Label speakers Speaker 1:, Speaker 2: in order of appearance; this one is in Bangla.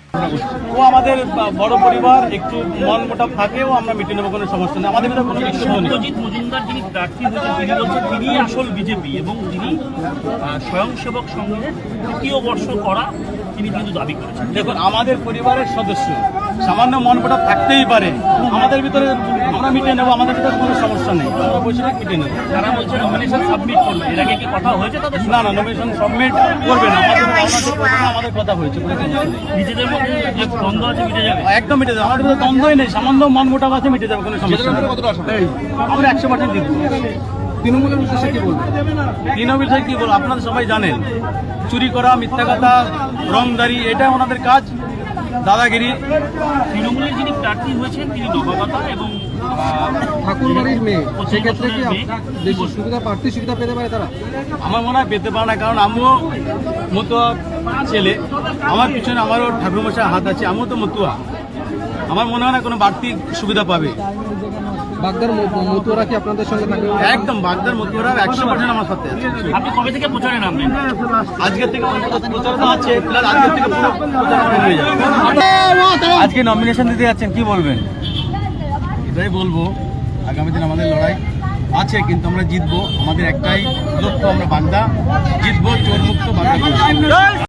Speaker 1: ও আমাদের বড় পরিবার, একটু মন মোটা থাকেও আমরা মিটিয়ে নেবো, কোনো সমস্যা নেই। আমাদের কোনো ইস্যু নেই।
Speaker 2: সত্যজিৎ মজুমদার যিনি প্রার্থী হয়েছেন তিনি বলছেন তিনি আসল বিজেপি এবং তিনি স্বয়ংসেবক সংঘের তৃতীয় বর্ষ করা তিনি কিন্তু দাবি করেছেন।
Speaker 1: দেখুন, আমাদের পরিবারের সদস্য সামান্য মন মোটা থাকতেই পারে, আমাদের ভিতরে আমরা মিটিয়ে নেবো, আমাদের ভিতরে কোনো সমস্যা নেই, আমরা বসে মিটিয়ে নেবো।
Speaker 2: তারা বলছে নমিনেশন সাবমিট করবে, এর আগে কি কথা হয়েছে তাদের?
Speaker 1: না না, নমিনেশন সাবমিট করবে না, আমাদের কথা হয়েছে।
Speaker 2: নিজেদের মধ্যে যে দ্বন্দ্ব আছে মিটে যাবে?
Speaker 1: একদম মিটে যাবে, আমাদের ভিতরে দ্বন্দ্বই নেই, সামান্য মন মোটা আছে, মিটে যাবে, কোনো সমস্যা নেই। আমরা 100% দিব।
Speaker 3: তৃণমূলের উদ্দেশ্যে কি বলবো?
Speaker 1: তৃণমূল থেকে কি বলবো, আপনারা সবাই জানেন, চুরি করা, মিথ্যা কথা, রংদারি, এটা ওনাদের কাজ, দাদাগিরি।
Speaker 2: তৃণমূলের যিনি প্রার্থী হয়েছেন তিনি নবাগতা এবং
Speaker 3: ঠাকুরবাড়ির মেয়ে, সেক্ষেত্রে কি বেশি সুবিধা, প্রার্থী সুবিধা পেতে পারে তারা?
Speaker 1: আমার মনে হয় পেতে পারে না, কারণ আমিও মতুয়া ছেলে, আমার পিছনে আমারও ঠাকুরমশাই হাত আছে, আমিও তো মতুয়া। আমার মনে হয় না কোনো বাড়তি সুবিধা পাবে।
Speaker 3: বাগদার মতুয়ারা কি আপনাদের সঙ্গে থাকবে?
Speaker 1: একদম, বাগদার মতুয়ারা 100% আমার সাথে আছে।
Speaker 2: আপনি কবে থেকে প্রচারে নামবেন?
Speaker 1: আজকের থেকে প্রচারণা আছে, প্লাস আজকের থেকে পুরো প্রচারণা হয়ে যাবে। আজকে নমিনেশন দিতে যাচ্ছেন, কি বলবেন? এটাই বলবো, আগামী দিন আমাদের লড়াই আছে, কিন্তু আমরা জিতবো। আমাদের একটাই লক্ষ্য, আমরা বাগদা জিতবো, চোর মুক্ত বাগদা।